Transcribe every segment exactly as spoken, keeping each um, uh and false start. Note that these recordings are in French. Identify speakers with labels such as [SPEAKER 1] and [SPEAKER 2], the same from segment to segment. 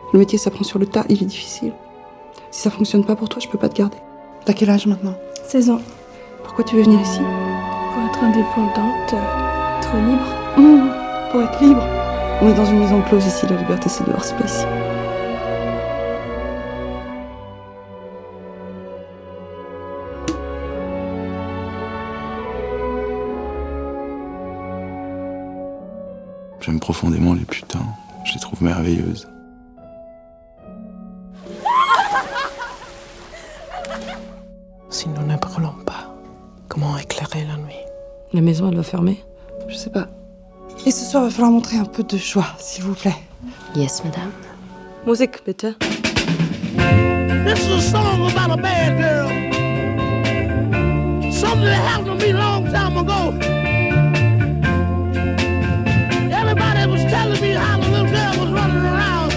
[SPEAKER 1] Le métier, ça prend sur le tas, il est difficile. Si ça fonctionne pas pour toi, je peux pas te garder. T'as quel âge maintenant?
[SPEAKER 2] seize ans.
[SPEAKER 1] Pourquoi tu veux venir ici?
[SPEAKER 2] Pour être indépendante, euh, être libre.
[SPEAKER 1] Mmh, pour être libre. On est dans une maison close ici, la liberté c'est dehors, c'est pas ici.
[SPEAKER 3] J'aime profondément les putains, je les trouve merveilleuses.
[SPEAKER 4] Si nous ne brûlons pas, comment éclairer la nuit?
[SPEAKER 1] La maison, elle va fermer? Je sais pas. Et ce soir, il va falloir montrer un peu de joie, s'il vous plaît.
[SPEAKER 5] Yes, madame.
[SPEAKER 1] Musik, bitte.
[SPEAKER 6] This is a song about a bad girl. Something that happened to me a long time ago. Everybody was telling me how the little girl was running around.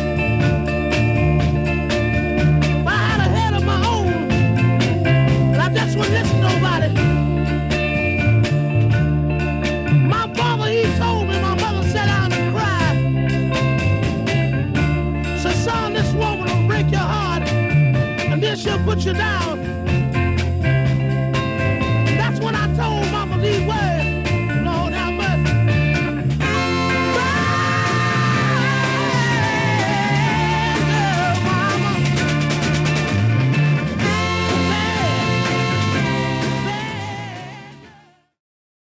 [SPEAKER 6] But I had a head of my own, and I just wouldn't listen to nobody. My father, he told me, my mother sat down and cried. Said, son, this woman will break your heart, and then she'll put you down.